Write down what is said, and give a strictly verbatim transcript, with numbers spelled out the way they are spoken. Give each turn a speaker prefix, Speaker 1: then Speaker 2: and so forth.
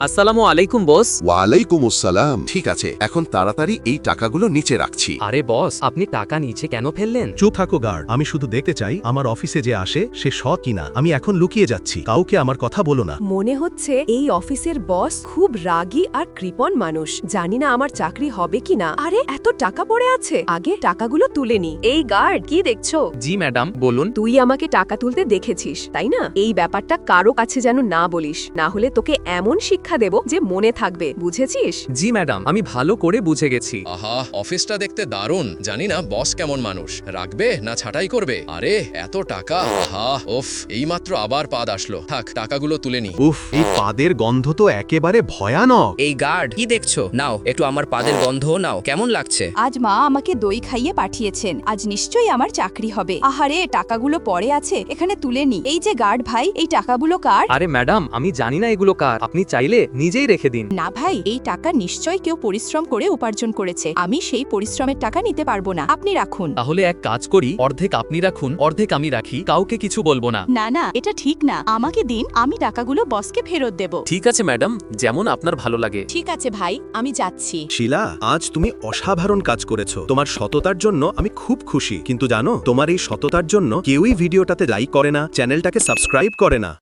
Speaker 1: আসসালামু আলাইকুম বস।
Speaker 2: ওয়ালাইকুম আসসালাম। ঠিক আছে, এখন তাড়াতাড়ি এই টাকাগুলো নিচে রাখছি।
Speaker 1: আরে বস, আপনি টাকা নিচে কেন ফেললেন?
Speaker 3: চুপ থাকো গার্ড, আমি শুধু দেখতে চাই আমার অফিসে যে আসে সে সৎ কিনা। আমি এখন লুকিয়ে যাচ্ছি, কাউকে আমার কথা বলো না।
Speaker 4: মনে হচ্ছে এই অফিসের বস খুব রাগী আর কৃপণ মানুষ। জানি না আমার চাকরি হবে কিনা। আরে এত টাকা পড়ে আছে, আগে টাকাগুলো তুলে নি। এই গার্ড, কি দেখছো?
Speaker 1: জি ম্যাডাম, বলুন।
Speaker 4: তুই আমাকে টাকা তুলতে দেখেছিস, তাই না? এই ব্যাপারটা কারো কাছে যেন না বলিস, না হলে তোকে এমন শিক্ষা দেব যে মনে থাকবে, বুঝেছিস?
Speaker 1: জি ম্যাডাম, আমি ভালো করে বুঝে গেছি।
Speaker 5: আহা, অফিসটা দেখতে দারুণ। জানি না বস কেমন মানুষ, রাখবে না ছাঁটাই করবে। আরে এত টাকা, আহা ওফ, এইমাত্র আবার পাদ আসলো। থাক, টাকাগুলো তুলে নি।
Speaker 3: উফ, এই পাদের গন্ধ তো একেবারে ভয়ানক।
Speaker 6: এই গার্ড, কি দেখছো? নাও একটু আমার পাদের গন্ধও নাও, কেমন লাগছে?
Speaker 7: আজ মা আমাকে দই খাইয়ে পাঠিয়েছেন, আজ নিশ্চয়ই আমার চাকরি হবে। আহারে, টাকাগুলো পড়ে আছে, এখানে তুলে নি। এই যে গার্ড ভাই, এই টাকাগুলো কার?
Speaker 1: আরে ম্যাডাম, আমি জানি না এগুলো কার, আপনি চাইলে নিজেই রেখে দিন।
Speaker 7: না ভাই, এই টাকা নিশ্চয়ই কেউ পরিশ্রম করে উপার্জন করেছে। আমি সেই পরিশ্রমের টাকা নিতে পারবো না, আপনি রাখুন।
Speaker 1: তাহলে এক কাজ করি, অর্ধেক আপনি রাখুন, অর্ধেক আমি রাখি, কাউকে কিছু বলবো না।
Speaker 7: না না, এটা ঠিক না। আমাকে দিন, আমি টাকাগুলো বসকে ফেরত দেব।
Speaker 1: ঠিক আছে ম্যাডাম, যেমন আপনার ভালো লাগে।
Speaker 7: ঠিক আছে ভাই, আমি যাচ্ছি।
Speaker 3: শিলা, আজ তুমি অসাধারণ কাজ করেছো। তোমার সততার জন্য আমি খুব খুশি। কিন্তু জানো, তোমার এই সততার জন্য কেউই ভিডিওটাতে লাইক করে না, চ্যানেলটাকে সাবস্ক্রাইব করে না।